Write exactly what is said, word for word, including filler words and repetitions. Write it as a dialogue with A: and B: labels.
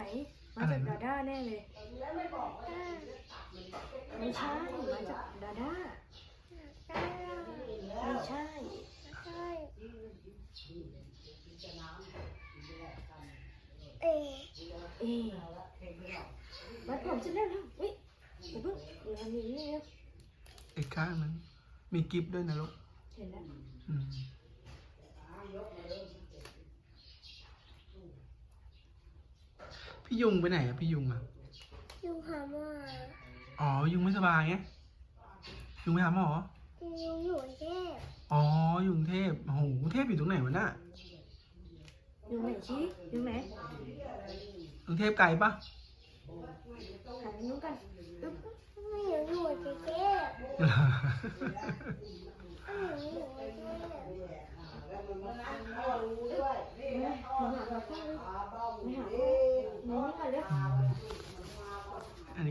A: มาจากดาด้าแน่เลยไม่ใช่มาจากดาด้าไม่ใช่เอเอมัดผมฉันได้แล้วเฮ้ยอย่าเพิ่งอย่าหนีเลย
B: อีกข้างนึงมีกิฟต์ด้วยนะลูก
A: เห็นแล้ว
B: อืมพี่ยุงไปไหนอะพี่ยุงอะ
C: ยุงหาหมอ
B: อ๋อยุงไม่สบายไงยุงไปหาหมอ
C: ยุงอยู่กรุงเทพ
B: อ๋อยุงเทพโอ้โหกรุงเทพอยู่ตรงไหนวะน่ะ
A: ยุงไหนชี้ยุงไหน
B: กรุงเทพไกลปะ
A: หันนู้นกัน
C: ไม่อยู่อยู่กรุงเทพไม่อยู่อยู่กรุงเทพ
A: ไม่หาเราก็ไม่หาหนูนี่กันเลย